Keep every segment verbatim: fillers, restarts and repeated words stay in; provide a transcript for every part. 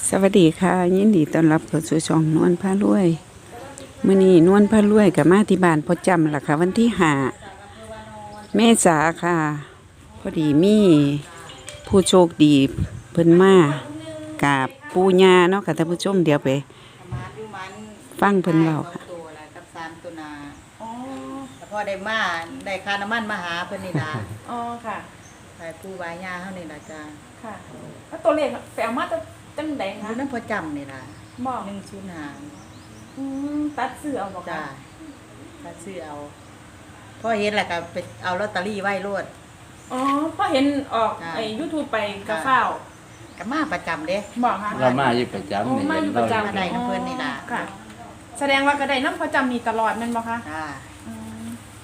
สวัสดีค่ะยินดีต้อนรับเข้าสู่ช่องนวลพารวยมื้อนี้นวลพารวยกับมาที่บ้านพ่อจำล่ะค่ะวันที่ห้าเมษาค่ะพอดีมีผู้โชคดีเพิ่นมากับปู่ย่าเนาะค่ะท่านผู้ชมเดี๋ยวไปฟังเพิ่นเว้าค่ะตัวละกับสามตัวนาอ๋อแต่พอได้มาได้ค่าน้ำมันมาหาเพิ่นนี่ล่ะอ๋อค่ะไปผู้วายยาเฮานี่ล่ะจ้าค่ะแล้วตัวเลขแปลมาจะจังไดอคะยู่นำพอจำนี่ล่ะบอกหนึ่งศูนย์ห้าอืมตัดซื้อเอาบอกจ้าค่ะถ้าซื้อเอาพอเห็นแล้วก็ไปเอาลอตเตอรี่ไว้โลดอ๋อพอเห็นออกค่ะไอ้ YouTube ไปกระข้าวก็มาประจำเด้บอกค่ะเรามาอยู่ประจำโอ้นี่มาอยู่ประจำมาได้น้ำเพิ่นนี่ล่ะค่ะ แสดงว่ากระไดน้ำประจำมีตลอดแม่นบ่คะจ้าอืม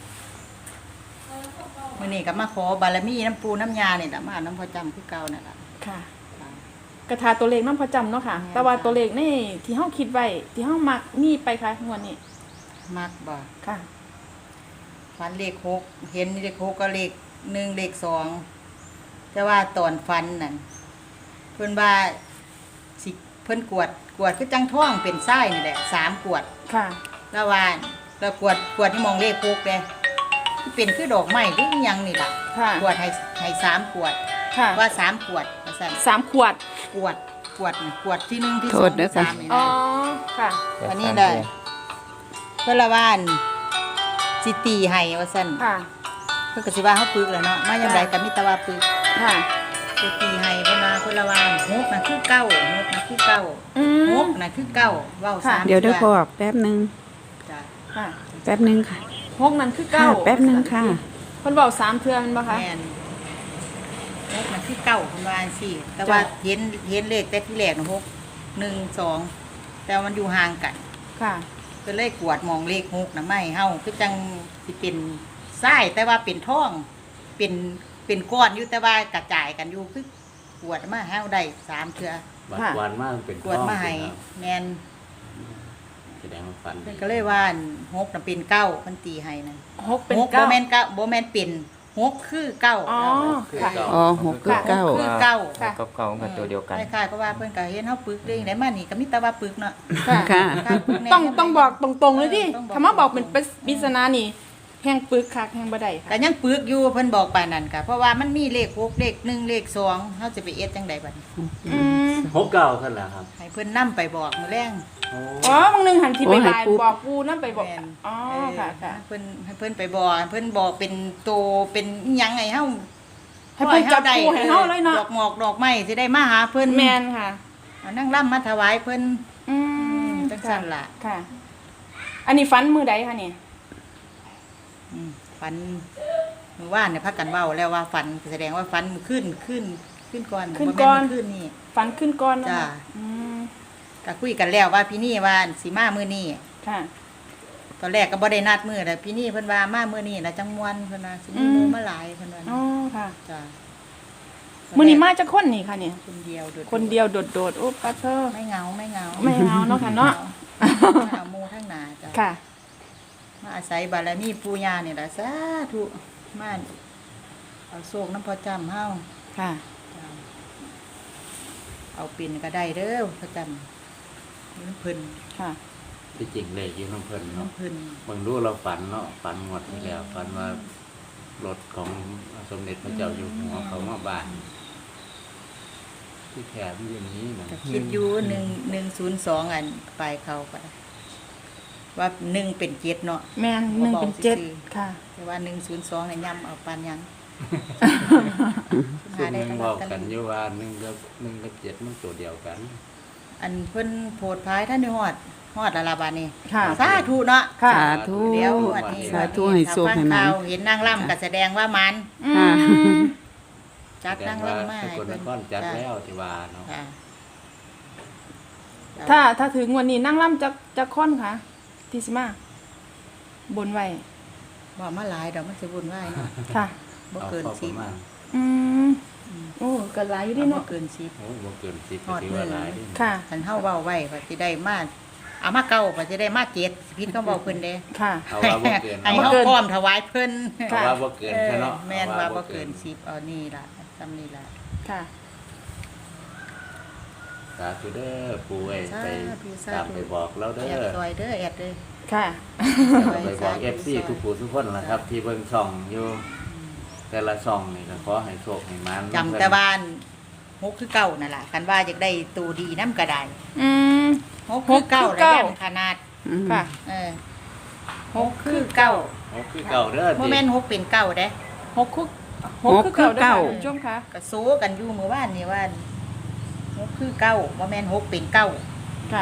มื้อนี้ก็มาขอบารมีน้ำปูน้ำยานี่ล่ะมาน้ำพอจำคือเก่านั่นล่ะค่ะจ้ะกระทาตัวเลขน้ำประจำเนาะค่ะแม่นแต่ว่าค่ะตัวเลขนี่ที่เฮาคิดไว้ที่เฮามักมีไปค่ะงวดนี้มักบ่ค่ะฟันเลขหกเห็นเลขหกก็เลขหนึ่งเลขสองแต่ว่าตอนฟันนั่นเพิ่นว่าสิเพิ่นกวดกวดคือจังท้องเป็นไส้นี่แหละสามกวดค่ะแล้วว่าแล้วกวดกวดที่มองเลขหกเลยที่เป็นคือดอกไม้หรืออิหยังนี่ล่ะค่ะกวดให้ให้สามกวดค่ะว่าสามกวดว่าซั่นสามขวดกวดกวดนี่กวดที่หนึ่งที่โทสอษงเด้ที่อค่ะสามนี่อ๋อนะค่ะอันนี้ได้เพิ่นละว่านสิตีให้ว่าซั่นค่ะเพิ่นก็สิว่าเฮาปึกแหล้วเนาะมายามใดก็มีแต่ว่าปึกค่ะสิตีให้เพิ่นว่าเพิ่นละว่านหกน่ะคือเก้าหกน่ะคือเก้าอืหมกน่ะคือเก้าเว้าสามเดี๋ยวเดี๋ยวทื่พ่อแป๊บหนึงจ้ะค่ะแป๊บหนึงค่ะหกนั่นคือเก้าค่ะแป๊บหนึงค่ะเพิ่นบอกสามเทื่อแมันบ่คะแม่นหกน่ะคือเก้าเพิ่นว่าจังซี่แต่ว่าเห็นเห็นเลขแต่ที่แรกน่ะหกหนึ่งสองแต่มันอยู่ห่างกันค่ะก็เลยกวดมองเลขหกน่ะไม่เฮาคือจังสิเป็นทรายแต่ว่าเป็นทองเป็นเป็นก้อนอยู่แต่ว่ากระจายกันอยู่คือกวดมาเฮาได้สามเทื่อบัดวันมากเป็นกวดมาให้ท้องแม่นแสดงว่าฝันเพิ่นก็เลยว่าหกน่ะเป็นเก้าเพิ่นตีให้นั่นหกเป็นหกบ่เก้าแม่นเก้าบ่แม่นเป็นหกคือเก้าอ๋อคือค่ะเก่าอ๋อหกคือเก้าคือเก้าค่ะกับเก่ากับตัวเดียวกันคล้ายๆเพราะว่าเพิ่นก็เห็นเฮาปึกเด้งได้มานี่ก็มีแต่ว่าปึกเนาะค่ะค่ะคล้ายๆปึกแน่ต้องต้องบอกตรงๆเลยดิต้องบอกคำว่าบอกเป็นปริศนานี่แห้งปึกคักแห้งบ่ได้ค่ะก็ยังปึกอยู่เพิ่นบอกปานนั้นค่ะเพราะว่ามันมีเลขหกเลขหนึ่งเลขสองเฮาจะไปเอ็ดจังไดบัดนี้อืมหกเก่าขึ้นแล้วครับให้เพิ่นนำไปบอกมื้อแรงโอ้อ๋อบางหนึงหันที่ไปโอ้ให้บายปูบอกปูนั่นไปบอกแม่นอ๋อเออค่ะค่ะให้เพิ่นให้เพิ่นไปบอกให้เพิ่นบอกเป็นโตเป็นอิหยังไงเฮาให้เพิ่นจับปูให้เฮาเลยเนาะดอกหมอกดอกไม้สิได้มาหาเพิ่นแม่นค่ะเอานั่งร่ำมาถวายเพิ่นอืมจังซั่นล่ะค่ะ อันนี้ฟันมือใดคะเนี่ยอืมฝันเมื่อวานเนี่ยพักกันเว้าแล้วว่าฝันแสดงว่าฝันมันขึ้นขึ้นขึ้นก่อนขึ้นก่อนบ่แม่ขึ้นนี่ฟันขึ้นก้อนแล้วจ้าค่ะอืมก็คุยกันแล้วว่าพี่นี่ว่าสิมามื้อนี้ค่ะตอนแรกก็บ่ได้นัดมื้อแต่พี่นี่เพิ่นว่ามามื้อนี้แล้วจังมวนเพิ่นว่าสิมีหมู่มาหลายเพิ่นว่าอ๋อค่ะจ้ามื้อนี้มาจากคนนี่ค่ะเนี่ยคนเดียวโดดๆคนเดียวโดดๆโอ้ปัดเธอไม่เหงาไม่เหงาไม่เอาเนาะค่ะเนาะมาหาหมู่ทั้งหนาจ้ะค่ะมาอาศัยบารมีปู่ย่านี่ล่ะสาธุมาเอาโชคน้ำพอจำเฮาค่ะจ้ะเอาปิ่นก็ได้เด้อพอจำน้ำเพิ่นค่ะที่จริงเลยอยู่น้ำเพลินเนาะน้ำเพิ่นบางรู้เราฝันเนาะฝันหมดที่แล้วฝันว่ารถของสมเด็จพระเจ้าอยู่หัวเขามาบ้าน ที่แขมอยู่นี้นะก็คิดอยู่หนึ่งหนึ่งศูนย์สองอันไปเขาก็ได้ว่าหนึ่งเป็นเจ็ดเนาะแม่นหนึ่งเป็นเจ็ดบอกซื่อค่ะแต่ว่าหนึ่งศูนย์สองเนี่ยย่ำเอาปานยังซึ่งได้มึงตลบออดกตลกัอน ดอยู่ว่าหนึ่งกับหนึ่งกับเจ็ดมันตัวเดียวกันอันเพิ่นโพดพายท่านได้ฮอดฮอดละลาบาดนี่ค่ะสาธุเนาะค่ะสาธุเดี๋ยวงวดนี้สาธุให้โชคให้มันถ้าฟังข่าวเห็นนางร่ำก็แสดงว่ามันอืค่ะมจัดแสดนาง งว่าร่ำมาสให้กลนเพิ่นครจัดจ้ะแล้วที่ว่าเนาะค่ะถ้าถ้าถึงวันนี้นั่งล่ำจะจะค้อนค่ะที่สิมาบนไว้บ่มาหลายดอกมันสิวุ่นวายเนาะค่ะบ่เอาเกินพอปสิระบมาณอืมโอ้เกิดหลายอยู่ดิบ่เนาะเกินสิบโอ้บ่เกินสิบฮอดที่ว่าหลายดิค่ะคันเฮาเว้าไว้ก็สิได้มาเอามาเก้าก็สิได้มาเจ็ดพิษก็เว้าเพิ่นเด้ค่ะเอาว่าบ่เกินให้เอาเฮาบ่เกินพร้อมถวายเพิ่นเอาว่าบ่เกินเออแค่เนาะแม่นอว่าบ่เกินสิบเอานี่ล่ะซ้ำนี่ล่ะค่ะสาธุเด้อปู่เอ้ยสาไปธุสาธุตามไปบอกแล้วเด้แอดอซอยเด้อแอดเด้อค่ะไปบอก เอฟ ซี ทุกผู้ทุกคนล่ะครับ ที่เบิ่งช่องอยู่ แต่ละช่องนี่ก็ขอให้โชคให้มันจำแต่บ้านหกคือเก่านั่นล่ะกันว่าอยากได้ตัวดีน้ำกระไดอืมหกคือเก่าหกคือแล้วเก่ายันขนาดอืมค่ะเออหกคือเก่าโอ้คือเก่าเด้อโมติเมนหกเป็นเก่าเด้หกคือหกคือเก่าเด้อค่ะคุณผู้ชมค่ะกระโซกันอยู่เมื่อวานนี่ว่าหกคือเก่าโมเมนหกเป็นเก่าค่ะ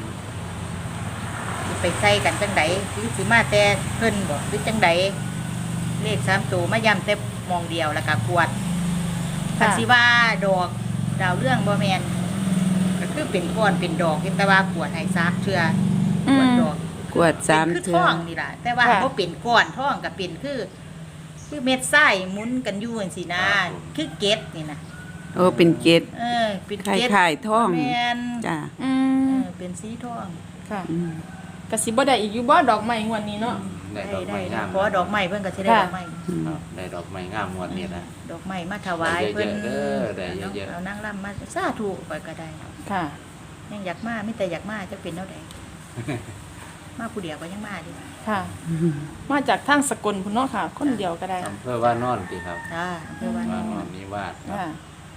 สิไปใส่กันจังไดหรือสิมาแต่เพิ่นบ่หรือจังไดเลขสามตัวมาย้ำแต่มองเดียวแล้วก็กวดคันสิว่าดอกดาวเรื่องบ่แมนก็คือเป็นก้อนเป็นดอกแต่ว่ากวดให้ซักเทื่อกวดดอกกวดสามเป็นคือเทื่ท่อองนี่ล่ะแต่ว่าค่ะบ่เป็นก้อนท่องก็เป็นคือ คือเม็ดทรายหมุนกันอยู่จังซี่นะคือเกล็ดนี่นะโอ้เป็นเกตเออเป็นคล้ายเกล็ดคล้ายๆท่องแม่นจ้าอืเอมอเป็นสีทองค่ะอืมกสิบ่ได้อีกอยู่บ่ดอกไม้งวดนี้เนาะได้ได้ดอกได้ไม้งามเพราะว่าดอกไม้เพิ่นก็สิได้ค่ะดอกไม้ครับได้ดอกไม้งามงวดนี้นะดอกไม้มาถวายเพิ่นได้เยอะๆเด้อได้เยอะๆเอานางรำมาสาธุไปก็ได้ค่ะยังอยากมามีแต่อยากมาจะเป็นเท่าใด มาผู้เดียวก็ยังมาดิค่ะ มาจากทางสกลพุ่นเนาะค่ะ คนเดียวก็ได้อำเภอว่านอนติครับจ้าเพื่อว่าว่านนออน นนิวาสครับค่ะ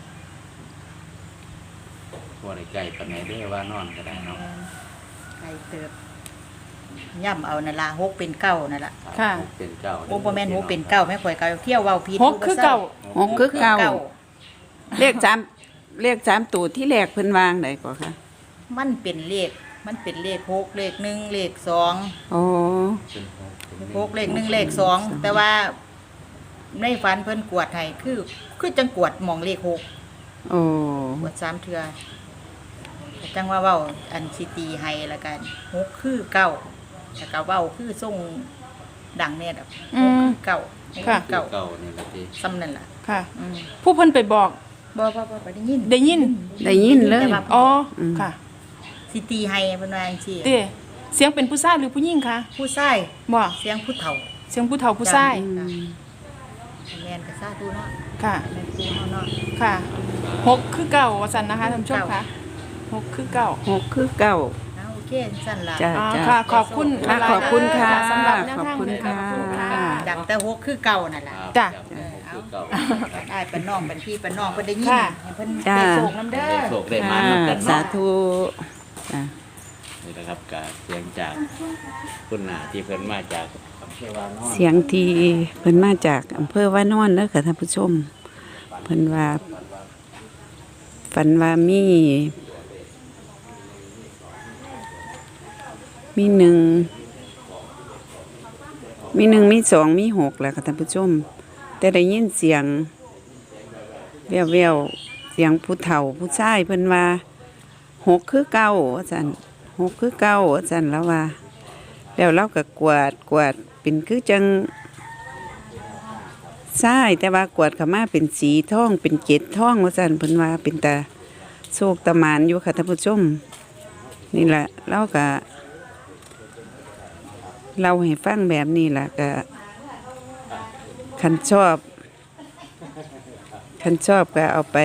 บ่ได้ใกล้ปานไหนเด้อว่านอนก็ได้เนาะไก่เติบย่ำเอานั่นล่ะหกเป็นเก้านั่นล่ะค่ะหกเป็นเก้าโอ้บ่แม่นหกเป็นเก้าแม่ข่อยเก้าเที่ยวเว้าผิดหกคือเก่าหกคือเก่าเลขสามเลขสามตัวที่แรกเพิ่นวางได้ก่อค่ะมันเป็นเลขมันเป็นเลขหกเลขหนึ่งเลขสองโอ้เป็นหกเป็นหกเลขหนึ่งเลขสองแต่ว่าในฝันเพิ่นกวดให้คือคือจังกวดหมองเลขหกโอ้กวดสามเทื่อแต่จังว่าเว้าอันสิตีให้ละกันหกคือเก้าแล้วก็เว้าคือทรงดังแน่ดอกอืหกมคือเก้าหกค่ะคือเก้าเก่านี่ล่ะติซ้ำนั่นล่ะค่ะอืมผู้เพิ่นไปบอกบ่บ่บ่บ่ได้ยินได้ยินได้ยินเลยแต่ว่าอ๋ออมค่ะสิตีให้เพิ่นว่าจังซี่เต้เสียงเป็นผู้ชายหรือผู้หญิงคะผู้ชายบ่เสียงผู้เฒ่าเสียงผู้เฒ่าผู้ชายอืมแม่นก็สาธุเนาะค่ะแม่นครูเฮาเนาะค่ะหกคือเก่าว่าซั่นนะคะท่านผู้ชมค่ะหกคือเก่าหกคือเก้าเอาโอเคสั่นล่ะจ้ะอ๋อค่ะ ขอบคุณค่ะหลายๆขอบคุณค่ะเด้อสำหรับแนวขอบทางคุณเลยค่ะขอบณค่ะดังแต่หกคือเก่านั่นล่ะครับจ้ะครับหกคือเก่าได้เป็นน้องเป็นพี่เป็นน้องเพิ่นได้ยินค่ะให้เพิ่นจ้ะไปโศกน้ำเด้อได้โชคได้มาค่ะนำกันสาเนาะธุจ้ะนี่นะครับการเสียงจากคุณหนาที่เพิ่นมาจากอำเภอวานอนเสียงที่เพิ่นมาจากอำเภอว่านอนเด้อค่ะท่านผู้ชมเพิ่นว่าฝันว่ามี มีหนึ่งมีหนึ่งมีสองมีหกแหละค่ะท่านผู้ชม แต่ได้ยินเสียงแววแววๆเสียงผู้เฒ่าผู้ชายเพิ่นว่าหกคือเก้าว่าซั่นหกคือเก้าว่าซั่นแล้วว่า แล้วเราก็กวาดกวาดเป็นคือจังใช่แต่ว่ากวาดเข้ามาเป็นสีทองเป็นเกล็ดทองว่าซั่นเพิ่นว่าเป็นตาโชคตะหมานอยู่ค่ะท่านผู้ชม นี่แหละเราก็เราให้ฟังแบบนี้แหละก็คันชอบคันชอบก็เอาไป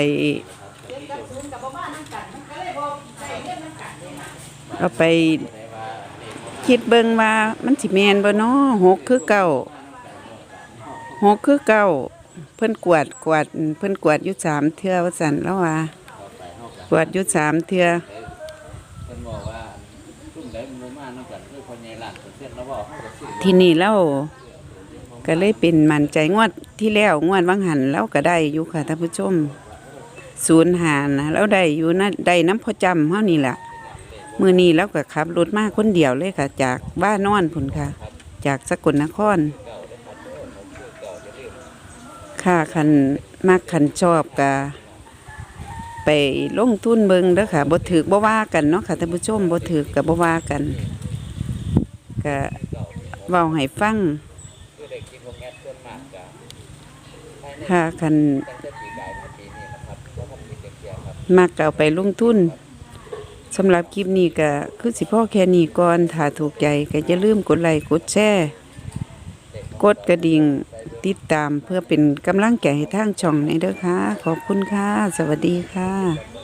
เอาไปคิดเบิ่งว่ามันสิแม่นบ่เนาะหกคือเก้าหกคือเก้าเพิ่นกวาดกวาดเพิ่นกวาดอยู่สามเทื่อว่าซั่นแล้วว่ากวาดอยู่สามเทื่อเพิ่นบอกว่าซุ่มใดมันบ่มานำกันคือคนใหญ่ล้านเปอร์เซ็นต์แล้วบอกเฮาก็ซื้อที่นี่เราก็เลยเป็นมั่นใจงวดที่แล้วงวดวังหันเราก็ได้อยู่ค่ะท่านผู้ชมศูนย์หานะเราได้อยู่นะได้น้ำพอจำเฮานี่แหละมือนี้เราก็ขับรถมาคนเดียวเลยค่ะ จากบ้านนอนพุ่นค่ะ จากสกลนครค่ะคันมากคันชอบกะไปลงทุนเบิงเด้อค่ะบ่ถือบ่ว่ากันเนาะค่ะท่านผู้ชมบ่ถือกับบ่ว่ากันก็เว้าให้ฟังค่ะคันมักก็เอาไปลงทุนสำหรับคลิปนี้ก็คือสิพ่อแค่นี้ก่อนถ้าถูกใจก็อย่าลืมกดไลค์กดแชร์กดกระดิ่งติดตามเพื่อเป็นกำลังใจให้ทางช่องในเด้อค่ะขอบคุณค่ะ สวัสดีค่ะ